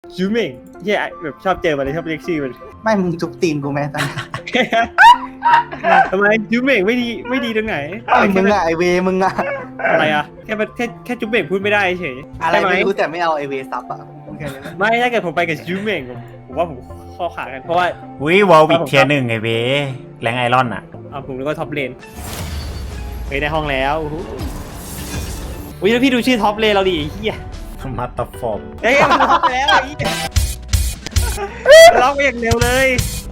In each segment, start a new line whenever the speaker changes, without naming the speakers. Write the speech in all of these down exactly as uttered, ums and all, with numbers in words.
จูเม่งเฮียแบบชอบเจอมันเลยชอบเรียกชื่อมัน
ไม่มึงทุบตีนกูไหมตอนนี้
ทำไมจูเม่งไม่ดีไม่ดีตรงไหน
ไอ้มึงอะไอเวมึงอะ
อะไรอะแค่แค่แค่จูเม่งพูดไม่ได้เฉย
อะไรไม่รู้แต่ไม่เอาไอเวซับอะโอเคเลย
ไม่ถ้าเกิดผมไปกับจูเม่งผมว่าผมข้อขากันเพราะว่า
วิวอลวิกเทียหนึ่งไงเว้แรงไอรอนอ่ะ
เอาผมนึกว่าท็อปเลนไปได้ห้องแล้วอุ้ยแล้วพี่ดูชื่อท็อปเลนเราดิไอ้เหี้ย
มัตตฟอร์ม
เฮ้ยมันท็อปแล้วไอ้เหี้ยล็อกไปอย่างเร็วเลย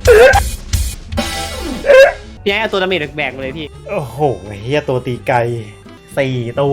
พี่ให้เอาตัวดาเมจแบกมาเลยพี่
โอ้โหเฮียตัวตีไกลสี่ตัว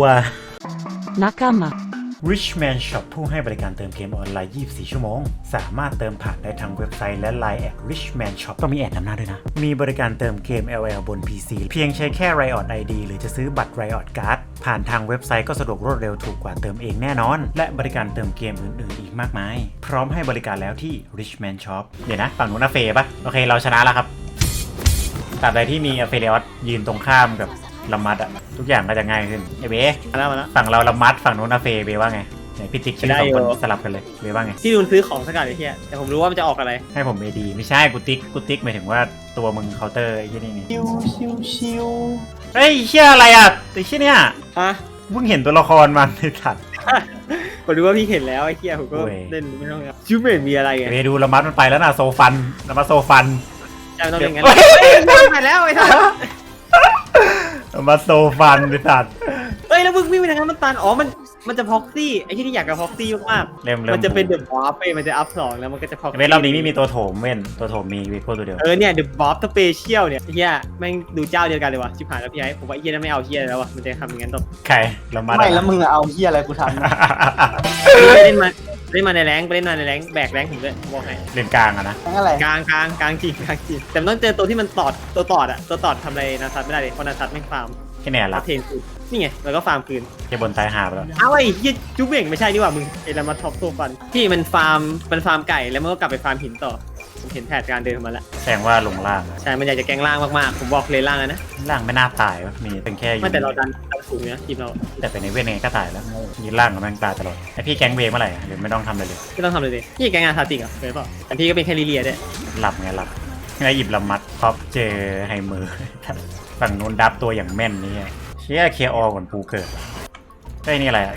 Nakama
Richman Shop ผู้ให้บริการเติมเกมออนไลน์ ยี่สิบสี่ ชั่วโมง สามารถเติมผ่านได้ทั้งเว็บไซต์และ ไลน์ แอด Richman Shop ต้องมีแอดนำหน้าด้วยนะ มีบริการเติมเกม แอล แอล บน พี ซี เพียงใช้แค่ Riot ไอ ดี หรือจะซื้อบัตร Riot Card ผ่านทางเว็บไซต์ก็สะดวกรวดเร็วถูกกว่าเติมเองแน่นอน และบริการเติมเกมอื่นๆอีกมากมาย พร้อมให้บริการแล้วที่ Richman Shop เดี๋ยวนะฝั่งนู้นอาเฟปะโอเคเราชนะแล้วครับตราบใดที่มีอาเฟเรอสยืนตรงข้ามกับละมัดอะทุกอย่างก็จะง่ายขึ้นไอเบ
มาแล้วมาแล้ว
ฝั่งเราละมัดฝั่งนู้นอาเฟเบว่าไงไหนพี่ติ๊กชื่อสองคนสลับกันเลยเบว่าไง
ที่ดูซื้อของสักการไอ้เหี้ยแต่ผมรู้ว่ามันจะออกอะไร
ให้ผมเอดีไม่ใช่กูติ๊กกูติ๊กหมายถึงว่าตัวมึงเคาน์เตอร์ไอ้ที่นี่นี่
ชิวชิวชิว
เฮ้ยเชี่ยอะไรอ่ะไอ้เชี่ยเนี่ย
ฮะ
เพิ่งเห็นตัวละครมันในถัด
ผมรู้ว่าพี่เห็นแล้วไอ้เหี้ยผมก็
โอ้ย
เล่นไม่ต้องจูเม่งมีอะไรไง
เบดูละมัดมันไปแล้วนะโซฟันละมัดโซฟัน
ใช่ไม่ต้องเล่นงั้น
เฮ้ย
เฮ้ยมันไปแล้วไอ้ท่าน
ละมัดโซฟันในถัด
เฮ้ยแล้วมึงวิ่งไปทางนั้นมันตันอ๋อมันมันจะพ็อกซี่ไอ้ที่ที่อยากกับพ็อกซี่มาก
เริ่ม
ๆ
เริ่ม
มันจะเป็นเดอะบอฟไปมันจะอัพสองแล้วมันก็จะพ็อก
เว้นรอบนี้ไม่มีตัวโถมเว้นตัวโถมมีวิโก้ตัวเดียว
เออเนี่ยเดอะบอฟสเปเชียลเนี่ยไอ้เหี้ยแม่งดูเจ้าเดียวกันเลยวะชิบหายแล้วพี่ไอ้ผมว่าไอ้เหี้ยนั่นไม่เอาเหี้ยแล้ววะมันจะทำอย่างนั้นต่อ
ใครละมัด
ไม่แล้วมึงอะเอาเฮียอะไรกูทำนะ
ไปเล่นมาเล่นมาในแรงค์ไปเล่นมาในแรงค์แบกแรงค์ผมด้วยผมบอกให้
เล่นกลางอะนะ
ทั้งอะไร
กลางกลางกลางจริงกลางจริงแต่มันต้องเจอตัวที่มันตอดตัวตอดอะตัวตอดทำอะไรนาซัตไม่ได้เลยเพราะนาซัตไม่ฟาร์ม
แค่เนี่ยละ
เทนคืนนี่ไงแล้วก็ฟาร์มคืน
แค่บนตายหาไปแล้ว
เอาไอ้ยี่จุ๊บเบ่งไม่ใช่ดีกว่ามึงไอ้ละมาท็อปโซฟันที่มันฟาร์มมันฟาร์มไก่แล้วมันก็กลับไปฟาร์มหินต่อผมเห็นแผนการเดินของมันแล้ว
แสดงว่าลงล่างอะ
ใช่มันอยากจะแกล้งล่างมากๆผมบอกเลยล่างแล้วนะ
ล่างไม่น่าตายวะมีเป็นแค่อยู่
ไม่แต่เราดันดันสูงนะทีมเรา
แต่เป็นในเวทไงก็ตายแล้วยืนล่างกับแม่งตายตลอดไอพี่แก๊งเวย์เมื่อไหร่อะหรือไม่ต้องทำอะไรเลย
ไม่ต้องทำเลยดิพี่แกล้งงานทาติกเหรอ่ะเคยเปล่าแต่พี่ก็เป็นแค่ลิเลียด้วย
หลับไงหลับไงหยิบลำมัดท็อปเจอไฮเมอร์ ฝั่งนู้นดับตัวอย่างแม่นนี่ไงเชี่ยเคอก่อนปูเกิดไอ้ยนี่อะไรอะ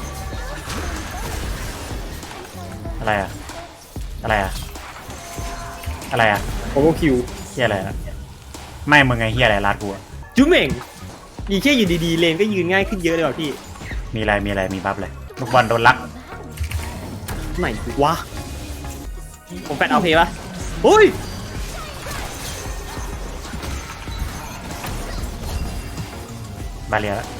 อะไรอะอะไรอะอะไรอะ
โอเวอร์คิว
เฮียอะไรอะไม่มึงไงเฮียอะไรลาดกูอะ
จุ๊บเบ่งยิงแค่อยู่ดีๆเลนก็ยืนง่ายขึ้นเยอะเลยว่ะพี่
มีอะไรมีอะไรมีบัฟเลยลูกบอลโดนลัก
ไหนวะผมแฟดเอาเพย์ปะเฮ้ย
บาเรียแล้ว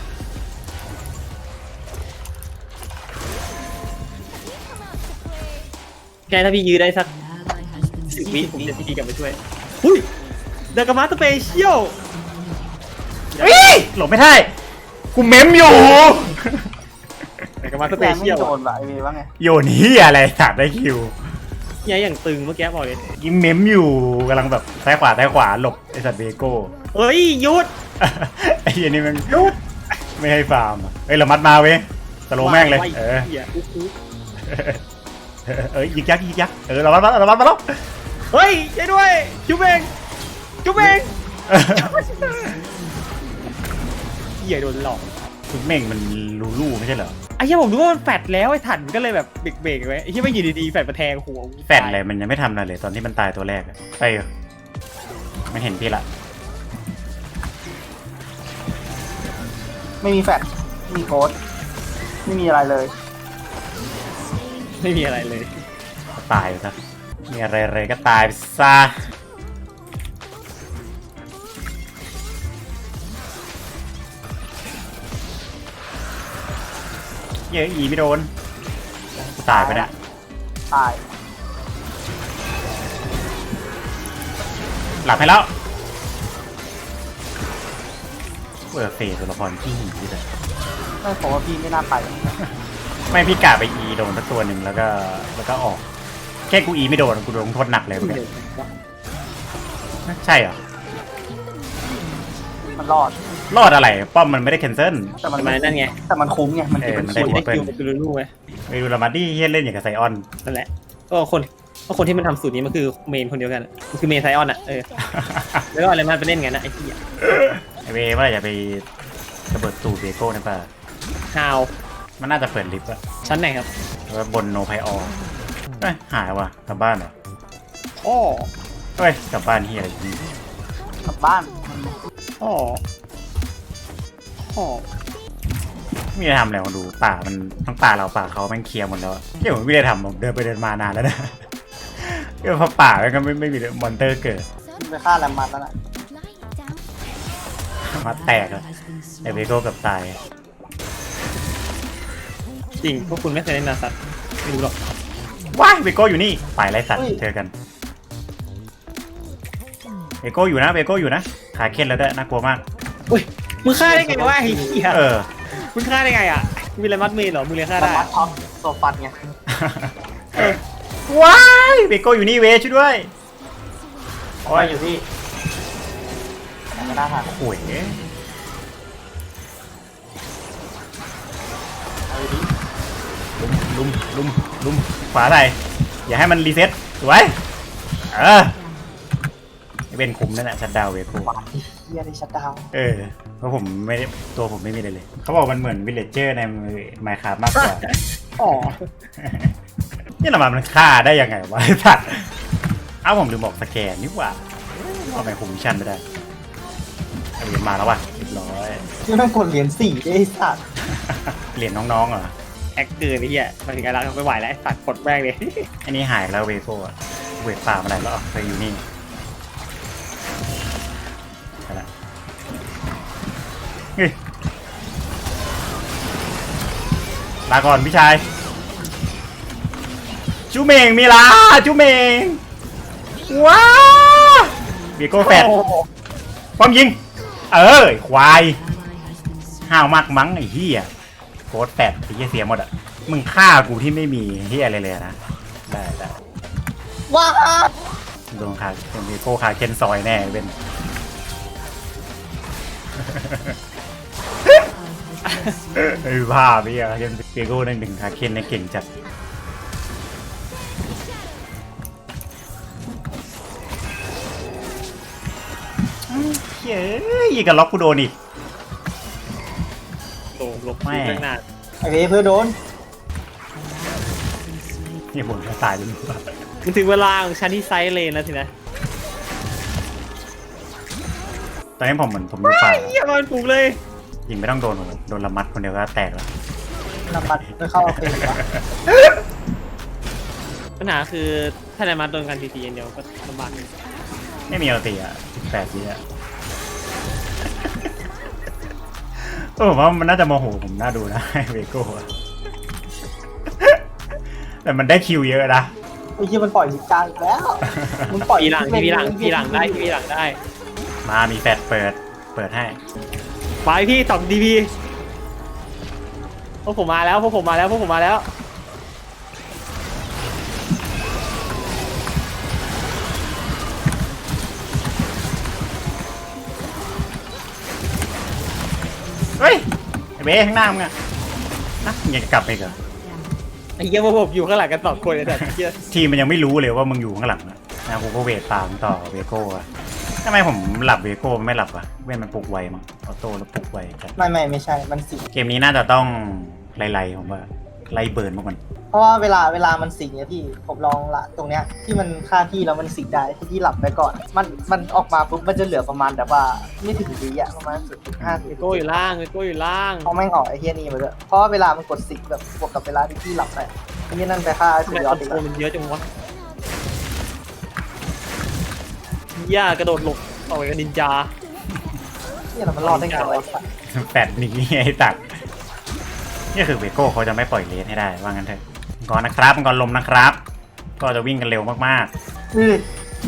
แกถ้าพี่ยื้อได้สักสิบวิผมจะพี่กลับมาช่วยหุ้ยเดอะกามาสเปเชียล
เฮ้ยหลบไม่ได้กูเม้มอยู่
เดอะกามาส
แซ
เป
ม
เชี
ไม่
ยล
โดนว่ะไอเวว่าไง
โยนนี้อะไรสัตว์ได้คิว
เนี่ยอย่างตึงเมื่อกี้บอกเลย
ยิงเม้มอยู่กำลังแบบซ้ายขวาซ้ายขวาหลบไอสัตว์เบโก้
เฮ้ยหยุด
ไอ้เหี้ยนี่มัน
หยุด
ไม่ให้ฟาร์มอะเอ้ยเรามัดมาเว้ยสโลว์แม่งเลย
ไ
เออ
หี้ยอุ๊บอุ๊บ
เอ้ยยิงยักษ์ยิงยักษ์เออเรามัดมาเรามัดมาแล้ว
เฮ้ยช่วยด้วยจุ๊บเองจุ๊บเองเหี้ยโดนหลอก
คุณเม่งมันลูลูไม่ใช่เหรอ
ไอ้เหี้ยผมรู้ว่ามันแฟดแล้วไอ้ถันก็เลยแบบเบรกๆไว้ไอ้เหี้ยไม่อยู่ดีๆแฟดมาแทงหัว
แฟดเลยมันยังไม่ทำอะไรเลยตอนที่มันตายตัวแรกอะไปเหรอไม่เห็นพี่ละ
ไม่มีแฟลชไม่มีโค้ดไม่มีอะไรเลย
ไม่มีอะไรเลย
ก็ตายไปซะมีอะไรเลยก็ตายไปซะเยอะอีไม่โดนกูตายไปเนี่ย
ตาย
หลับให้แล้วเปิดเฟสตัวละครที่หีเลย
ไม่ผมว่าพี่ไม่น่าไป
ไม่พี่กะไปอีโดนสักตัวหนึ่งแล้วก็แล้วก็ออก แค่กูอีไม่โดนกูโดนลงโทษหนักเลยเมื่อกี้ใช่เหรอ
มันรอด
รอดอะไรป้อมมันไม่ได้แคนเซิล
แต่มัน
ทำไมนั่นไง
แต่มันคุ้มไงมัน
เอ
ติด
อ
เป็น
มัน
คุ
ได้
ย
ได้คิวเป็นลูลูไง
ไปดูละมัดดี้เฮียเล่นอย่างกับไซออน
นั่นแหละก็คนก็คนที่มันทำสูตรนี้มันคือเมนคนเดียวกันมันคือเมนไซออนอ่ะเออแล้วก็อะไรมันไปเล่นกันนะไอ้ที่
ไอเวว่าอย่าไประเบิดตูดเบโก้นะป่ะ
ฮาว
มันน่าจะเปิดลิฟต์อะ
ชั้นไหนครับ
แล้วบนโนไพออเอ้ยหายว่ะกลับบ้านเหรอ
อ้อ
เฮ้ยกลับบ้านเฮียอะไรอยู่นี่
กลับบ้าน
อ้ออ้อ
ไม่ได้ทำอะไรมาดูป่ามันทั้งป่าเราป่าเขาแม่งเคลียร์หมดแล้วอะเดี๋ยวผมไม่ได้ทำผมเดินไปเดินมานานแล้วนะ เดี๋ยวพอป่ามันก็ไม่ไม่มีมอนเตอร์เกิด
ไปฆ่าแรมมันแล้วน่ะ
มาแตกอะไอเวโก้กับตาย
จริงพวกคุณไม่เคยเล่นนาซัตไม่รู้หรอก
ว้ายเวโก้อยู่นี่ฝ่ายไรสัตว์เจอกันเวโก้อยู่นะเวโก้อยู่นะขาเค้นแล้วด้วยน่ากลัวมาก
อุ้ยมึงฆ่าได้ไงวะไอ้เหี้ย
เออ
มึงฆ่าได้ไงอ่ะมีอะไรมัดเมนเหรอมึงเลยฆ่า
แร
ได้
มมันท็อปโซฟันไง
ว้ายเวโก้อยู่นี่เวช่วยด้วย
โอ้ยอยู่ที่ไม่น่าทัน
โอ้ย
เอาดิ
ลุมลุมลุมลุมขวาไหนอย่าให้มันรีเซ็ตสวยเออไอ้เป็นคุมนั่นแหละชัดดาวเวโก้
หวานที่เฮียได้ชัดดาวน์
เออเพราะผมไม่ได้ตัวผมไม่มีเลยเลยเขาบอกมันเหมือนวิลเลจเจอร์ในไมค์คราฟมากกว่า
อ๋อ
นี่ละมันฆ่าได้ยังไงวะไอ้สัตว์เอ้าผมลืมบอกสแกนนี่หว่าเอาไปคุมมิชชั่นไม่ได้เอาเหรียญมาแล้วว่ะเรียบร้อย
นี่แม่งกดเหรียญสี่ได้ไอ้สัตว์
เหรียญน้องๆเหรอ
แอคเกินไอ้เหี้ยมาถึงการรักไม่ไหวแล้วไอ้สัตว์กดแม่งเลย
อันนี้หายแล้วเวโก้อะเวทป่ามาไหนแล้วไปอยู่นี่ไปละเฮ้ยลาก่อนพี่ชายจูเมงมีลาจูเมงว้าเวโก้แฟดความยิงเออควายห้าวมากมั้งไอ้เหี้ยโคตรแฟดไอ้เหี้ยเสียหมดอ่ะมึงฆ่ากูที่ไม่มีเหี้ยอะไรเลยนะได้ได้
ว้า
โดนขาเป็นเวโก้ขาเคนซอยแน่เป็น ไอ้ภาพพี่อะเคนเวโก้นั่งหนึ่งขาเคนในเก่งจัดเฮ้ยยิงกับล็อกกูโดนอีก
โดนลบไม่ตั้งนาน
ไอเวเพื่อโดน
นี่ผมจะตายจน
มันถึงเวลาของฉันที่ไซส์เลนแล้วสินะ
ตอนนี้ผมเหมือนผมอยู่ป่า
เหี้ยมันปลุกเลย
ยิงไม่ต้องโดนผมโดนละมัดคนเดียวก็แตกแล้ว
น้ำมันไม่เข้าเอาเป็นวะ
ปัญหาคือถ้าในมัดโดนกันทีทีอย่างเดียวก็ลำบากเลย
ไม่มีเอาตีอ่ะสิบแปดวิอ่ะ เออผมว่ามันน่าจะโมโหผมน่าดูนะเวโก้อะแต่มันได้คิวเยอะนะ
ไอ้เฮียมันปล่อยลิกาอีกแล้วมึงปล่อย
ทีหลังทีหลังทีหลังได้ทีหลังได้
มามีแฟดเปิดเปิดให้
ไปพี่ตอบดีพีพวกผมมาแล้วพวกผมมาแล้วพวกผมมาแล้ว
เฮ้ยไอ้เบ้ข้างหน้ามึงอะนะมึงยังจะกลับไปอีกเหรอ
ไอ้เหี้ยพวกผมอยู่ข้างหลังกันสองคนเลยแต่เหี้ย
ทีมมันยังไม่รู้เลยว่ามึงอยู่ข้างหลังนะนะกูก็เวทตามต่อเวโก้อะทำไมผมหลับเวโก้ไม่หลับอะเว้นมันปลุกไวมั้งออโต้แล้วปลุกไวจัด
ไม่ไม่ไม่ใช่มันสิง
เกมนี้น่าจะต้องไล่ๆผมว่าไล่เบิร์นพวกมัน
เพราะว่าเวลาเวลามันสิงเนี่ยพี่ผมลองละตรงเนี้ยที่มันฆ่าพี่แล้วมันสิงได้ที่พี่หลับไปก่อน มันมันออกมาปุ๊บมันจะเหลือประมาณแบบว่าไม่ถึงวิอะประมาณศูนย์จุดห้า
เวโก้อยู่ล่างเวโก้อยู่ล่าง
เพราะแม่งออกไอ้เฮียนี่มาด้วยเพราะว่าเวลามันกดสิงแบบบวกกับเวลาที่พี่หลับไปไอ้เฮียนั่นไปฆ่า
ทำ
สุ
ไม
ดย
ค
อ
อ
ด
น
อีก
โทร
แล้ว
มันเยอะจังวะย่ากระโดดหลบออกไปกับนินจา
เฮียเรามันรอดได้ไงวะไอ้สัส
แปดหนีไอ้ตัดนี่คือเวโก้เขาจะไม่ปล่อยเลสให้ได้ว่างั้นเถอะก่อนนะครับก่อนลมนะครับ ก็จะวิ่งกันเร็วมาก
อือ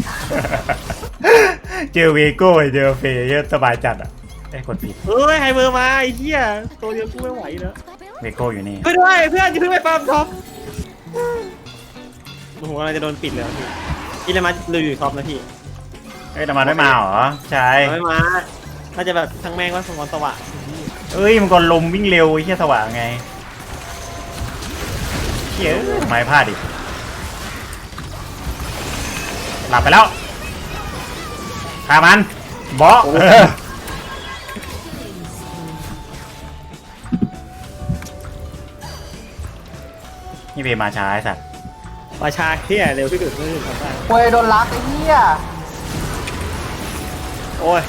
ๆ เจอเวโก้เจอเฟย์เยอะสบายจัดอ่ะไอ้ยกดผิด
เฮ้ยไฮเบอร์มาไอ้เหี้ยตัวเดียวกูไม่ไหวแล้ว
เวโก้อยู่นี่
เพื่อนด้วยเพื่อนจะเพิ่งไปฟาร์มท็อปโอ้โหอะไรจะโดนปิดเลยพี่อิเลมัสเลยอยู่ท็อปนะพี่
เอ้ยแต่มาไม่มาเหรอใช่
ไม่มาน่าจะแบบทั้งแม่งว่าสมองสว่าง
เอ้ยมันก่อนลมวิ่งเร็วไอ้เหี้ยสว่างไงเฮ้ยทำไมพลาดดิหลับไปแล้วฆ่ามันบอสเออนี่เบมาช้าไอ้สัตว์
มาชาเที่ยเร็วที่สุดไม่ถึงทำได้
ควยโดนลักไอ้เหี้ย
โอ้ย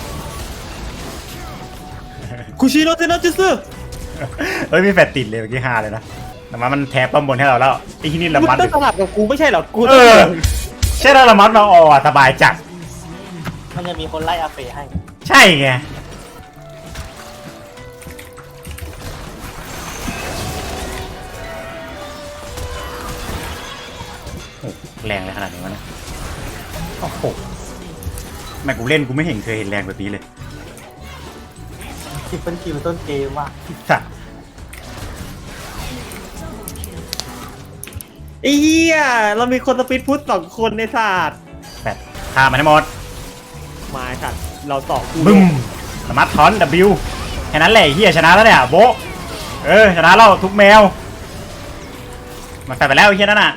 คุชิโนเซนจิสึ
เฮ้ยมีแฟดติดเลยเมื่อกี้ฮาเลยนะแต่ว่ามันแทบป้อมบนให้เราแล้วไอ้ที่นี่ละ
มึง
มัด
ต้องสลับกับกูไม่ใช่เหรอกู
เออใช่แล้วละมัดมาออสบายจัด
มันจะมีคนไล่อาเฟให้
ใช่ไงโอ้แรงเลยขนาดนี้วะเนี่ยโอ้โหแม่กูเล่นกูไม่เห็นเคยเห็นแรงแบบนี้เลย
สิบเป็นคิวต้นเกมว่ะ
สัตว์
ไอ้เหี้ยเรามีคนสปีดพุทสองคนในศาสตร์
แปดฆ่ามันให้หมด
มาสัตว์เราต่อกู
บึ้มสมัดทอน W แค่นั้นแหละไอ้เฮียชนะแล้วเนี่ยโบะเออชนะแล้วทุกแมวมันแปดไปแล้วไอ้เฮียนั่นน่ะ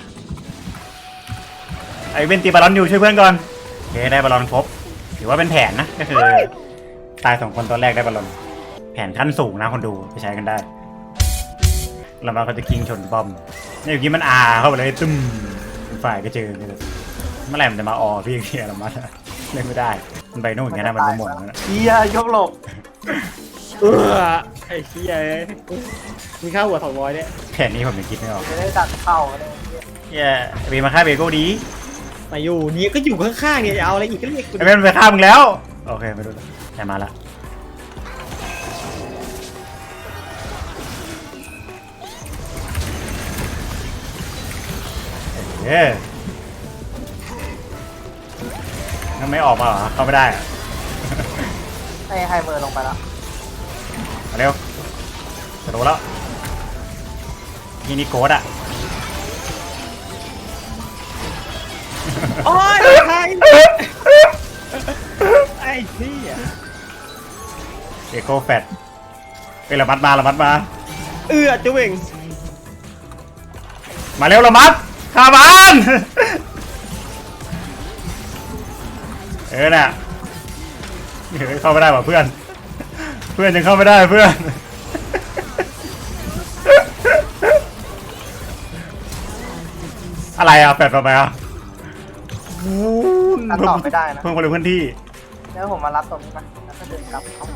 ไอ้เวนตีบอลลอนอยู่ช่วยเพื่อนก่อนโอเคได้บอลลอนครบถือว่าเป็นแผนนะก็คือตายสองคนตอนแรกได้บอลลอนแผนขั้นสูงนะคนดูไปใช้กันได้แล้วมันก็จะกิ้งชนบอมนี่เมื่อกี้มันอาเข้าไปเลยตึ้มฝ่ายก็เจอเลยเมื่อไหร่มันจะมาออพี่เฮียละมัดเล่นไม่ได้มันไปนู่นอย่างนั้นนะมันไม่หมดแล้วนะ
เหี้ยยกหลบ
เออไอ้เหี้ยมีค่าหัวสองร้อยเนี่ย
แผนนี้ผมยังคิดไม่ออก
จะได้ดักเข้าเลย
เฮียเบมาฆ่าเบโก้ดี
มาอยู่นี่ก็อยู่ข้างๆเนี่ยจะเอาอะไรอีกก็เรียกกู
ไอ้เบนไปฆ่ามึงแล้วโอเคไม่รู้แต่มาละเฮ้ยทำไมออกมาเหรอเข้าไม่ได้อะ
ให้ไฮเมอร์ลงไปแล้ว
มาเร็วจะโดนแล้วนี่นี่โกดอ่ะ
โอ้ยใครไอ้เหี้ย
เอโก้แฟตเป็นระมัดมาระมัดมา
เอื้อจะเว่ง
มาเร็วระมัดฆ่ามันเออน่ะเฮ้ยเข้าไม่ได้ว่ะเพื่อน เพื่อนยังเข้าไม่ได้เพื่อน อะไรอ่ะแปดต่อไปอ่ะ
ตัดต่อไม่ได้นะ
เพิ่มคนเร็วพื้นที่
แล้วผมมารับตรงนี้มาแล้วก็เดินกลับเขา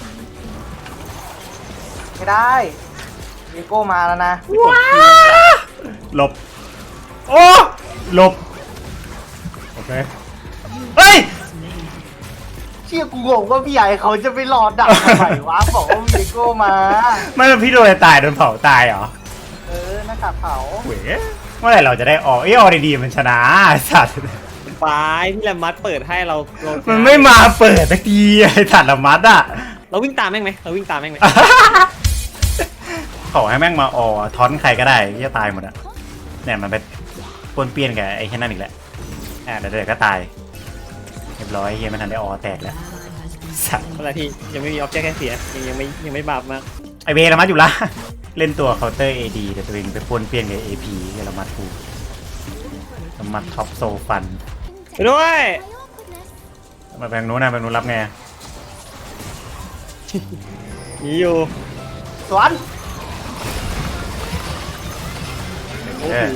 ไม่ได้วีโก้มาแล้วนะ
หลบโอ้หลบโอเคเฮ้ย
เชี่ยกูงงว่าพี่ใหญ่เขาจะไปรอดักทำไมวะบอกว่าวีโก้มา
ไม่เป็นพี่โดนอะไรตายโดนเผาตายเหรอ
เออหน้ากากเผา
เว้ยเมื่อไหร่เราจะได้ออกเอ้ยออกดีๆมันชนะไอ้สัตว์
ปลายพี่แลมมัดเปิดให้เราเรา
มันไม่มาเปิดตะกี้ไอ้สัตว์ละมัดอ่ะ
เราวิ่งตามแม่งไหมเราวิ่งตามแม่งไหม
ขอให้แม่งมาออท้อนใครก็ได้จะตายหมดอ่ะเนี่ยมันไปปนเปี้ยนกับไอ้แค่นั้นอีกแล้วอ่าเดี๋ยวเดี๋ยวก็ตายเรียบร้อยเฮียมันทันได้ออแตกแล้วสัตว์
อะไรที่ยังไม่มีออบเจกต์แค่เสียยังยังไม่ยังไม่บาปมาก
ไอเบละมัดอยู่ละ เล่นตัวเคาน์เตอร์ เอ ดี แต่ตัวเองไปปนเปี้ยนกับ เอ พีละมัดกูละมัดท็อปโซฟัน
ไปด้วย
มาแบงนู้นนะแบงนู้นรับไง
หนีอยู่
สวน
เออ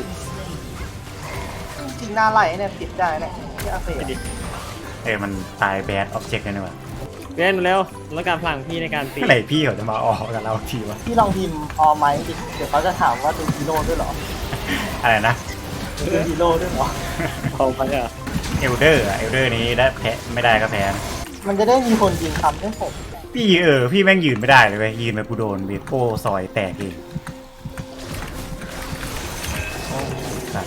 จริงหน้าไหลเนี่ยติดได้เนี่ยที่อาเฟ
ไปดิ
เออมันตายแบดออบเจกต์เลยนี่หว่า
เล่นเร็วแล้วการพลังพี่ในการตี
เมื่อไหร่พี่เขาจะมาออกกับเราทีวะ
พี่ลองพิมพ์ออไหมดิเดี๋ยวเขาจะถามว่าเป็นฮีโร่ด้วยเหรอ
อะไรนะ
เป็นฮีโร่ด้วยเหรอ
เอาไปอ่ะ
เอลเดอร์อะเอลเดอร์นี้ได้แพ้ไม่ได้ก็แพ้นะ
มันจะได้มีคนยิงคำให้ผม
พี่เออพี่แม่งยืนไม่ได้เลยเว้ยยืนไปกูโดนเบโก้ซอยแตกเองโอ้สัตว์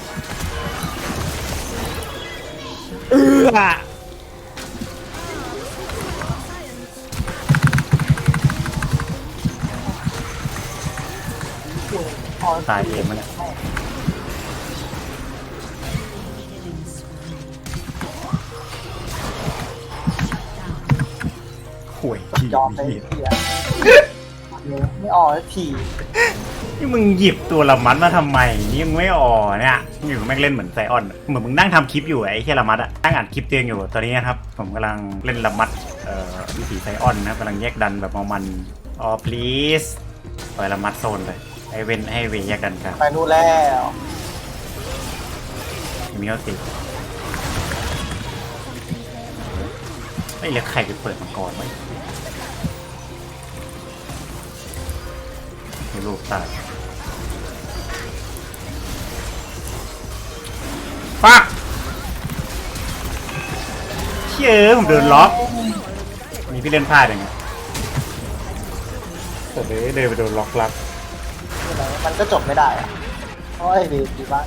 เอื้อ
ออ
ตายเองมันเนี่ยห่วยที
ยอมไป
เหี้ย
เสียไม่ออกสักที
นี่มึงหยิบตัวละมัดมาทำไมนี่ยังไม่อ่อเนี่ยอยู่แม่งเล่นเหมือนไซออนเหมือนมึงนั่งทำคลิปอยู่ไอ้แค่ละมัดอะนั่งอ่านคลิปเตียงอยู่ตอนนี้นะครับผมกำลังเล่นละมัดเอ่อวิถีไซออนนะครับกำลังแยกดันแบบมองมันอ๋อ please ปล่อยละมัดโซนไปไอเว้นให้เวแยกดันกัน
ไปนู่นแล้ว
มีเขาติดไม่เหลือใครไปเปิดมังกรไหมลูกตายฟักเชื่อผมโดนล็อกมีพี่เล่นพลาดอย่างเงี้ยแต่เดินเดินไปโดนล็อกลัก
มันก็จบไม่ได้อะโอ้ยดีดีมาก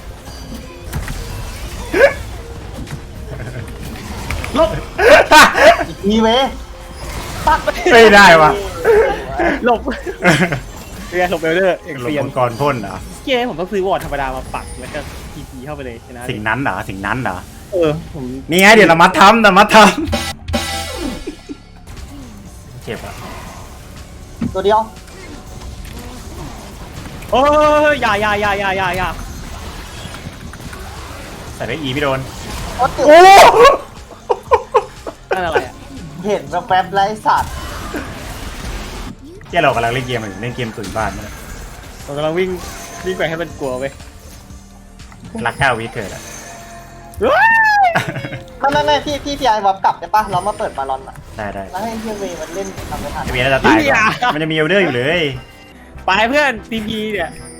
ลบ
อีกทีเว้ยปัก
ไม่ได้วะ
หลบเรียนหลบเบลเดอร์เอก
หลบ
เรียน
มังกรพ่นเหรอ
เก้ผมต้องซื้อวอร์ดธรรมดามาปักแล้วก็ทีพีเข้าไปเลยชนะ
สิ่งนั้นเหรอสิ่งนั้นเหรอ
เออผม
นี่ไงเดี๋ยวเรามัดทำเรามัดทำเจ็บอ่ะ
ตัวเดียว
โอ้ยอย่าอย่าอย่าอย่าอย่าอย่า
ใส่ได้อีพี่โดน
โอ้ติ
โอ้
นั่นอะไรอ่ะ
เห็นแป๊บๆไรสัตว์
เจ้าเรากำลังเล่นเกมอยู่เล่นเกมตุ๋ยบ้านนะ
ผมกำลังวิ่งวิ่งไปให้มันกลัวไป
รักข้าววิเกิดอ่ะ
ไม่ไม่ไม่พี่พี่พี่ไอ้บอบกลับได้ปะเรามาเปิดบาลอนอะ
ได้ได้
แล้วให้เฮียเวย์มันเล่นทำไม่ทัน
ไอเบียร์จะตายก่อนมันจะมีเอลเดอร์อยู่เลย
ไปเพื่อนทีพีเนี่ย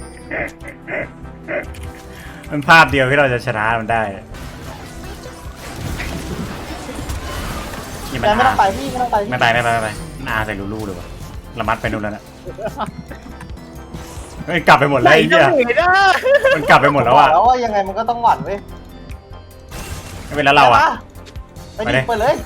มันภาพเดียวที่เราจะชนะมันได้นี่มัน
แต่ไม่ต้
อา
องไปพี่ไม่ต้องไป
ไม่ไปไม่ไปไม่ไปมันอาใส่ลูลูเลยวะละมัดไปนู่นแล้วนะเฮ้ยกลับไปหมดแล้วไอ้
ไหน
เหี้ย
จะเหนื่อยนะ
มันกลับไปหมดแล้วอ่ะ
แล้วว่ายังไงมันก็ต้องหวั่นเว้ย
ไม่เป็นแล้วเราอ่ะ
ไปดิไปเลย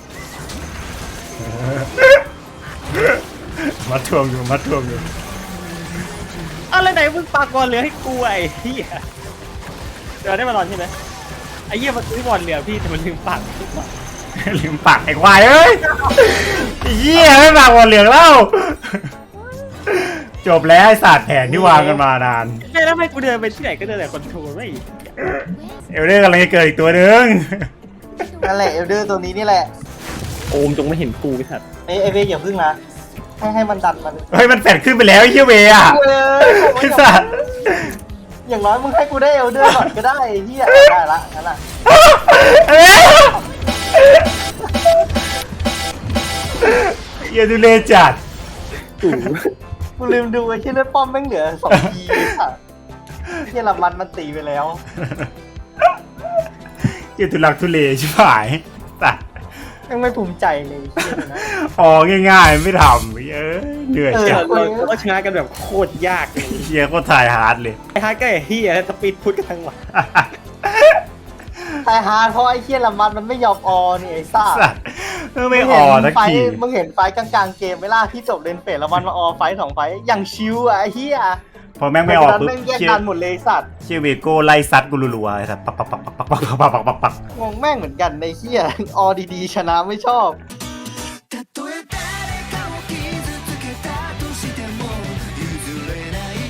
มัดทวงอยู่มัดทวงอยู่
อะไรไหนมึงปากบอลเหลือให้กูไอ้เหี้ยเดี๋ยวได้มาลอนใช่ไหมไอ้เหี้ยมันซื้อบอลเหลือพี่แต่มันลืมปากทุกวัน
ลืมปากไอ้ควายเอ้ยไอ้เหี้ยไม่ปากบอลเหลืองแล้วจบแล้วไอ้ศาสตร์แผนที่วางกันมานาน
แม่แล้วทำไมกูเดินไปที่ไหนก็เดินแต่คอนโทรลไม่
เอลเดอร์กำลังจะเกิดอีกตัวหนึ่ง
นั่นแหละเอลเดอร์ตัวนี้นี่แหละ
โอมจงไม่เห็นกูไอ้สัตว์
ไอไอเวย์อย่าพึ่งนะให้ให้มันดันมัน
เฮ้ยมันแฝดขึ้นไปแล้วไอ้เหี้ยเวอ่ะ
เว้ย
ไอ้สัตว์
อย่างน้อยมึงให้กูได้เอลเดอร์ก่อนก็ได้เฮียได้ละนั่นแหละ
เอ้ยเหี้ยดูเลจัด
กู
กูลืมดูไอ้ที่เลือดป้อมแม่งเหลือสองทีค่ะเฮียละมันมันตีไปแล้ว
เหี้ยทุลักทุเลชิบหายตัด
ยังไม่ภูมิใจเลยเฮียนะ
อ๋อง่ายๆไม่ทำเอ้ยเหนื่อย
เออ
จัด
เราเราก็ชนะกันแบบโคตรยากเลย
เชียร์ก็ถ่ายฮาร์ดเลย
ไอ้ฮาร์ดก็ไอ้เหี้ยสปีดพุทธกันทั้งวัน
แต่ฮาร์ดเพราะไอ้เฮียละมันมันไม่ยอมออนี่ไอ้ซ่า
สัตว์ไม่อ่อนสัก
ไฟ
ที
มึงเห็นไฟกลางๆเกมไหมล่ะที่จบเลนเฟสแล้วมันมาออไฟสองไฟอย่างชิวอ่ะไอ้เฮีย
พอแม่งไม่ออก
นั้น
ปุ๊บ
แม่งแยก
เชีย
กัน
ร์
หมดเลยสัตว์
เชียร์เวโก้ไล่ซัดกูรัวๆไอ้สัตว์ปักปักปักปักปักปักปักปักปักปัก
งงแม่งเหมือนกันในเฮียออดีๆชนะไม่ชอบ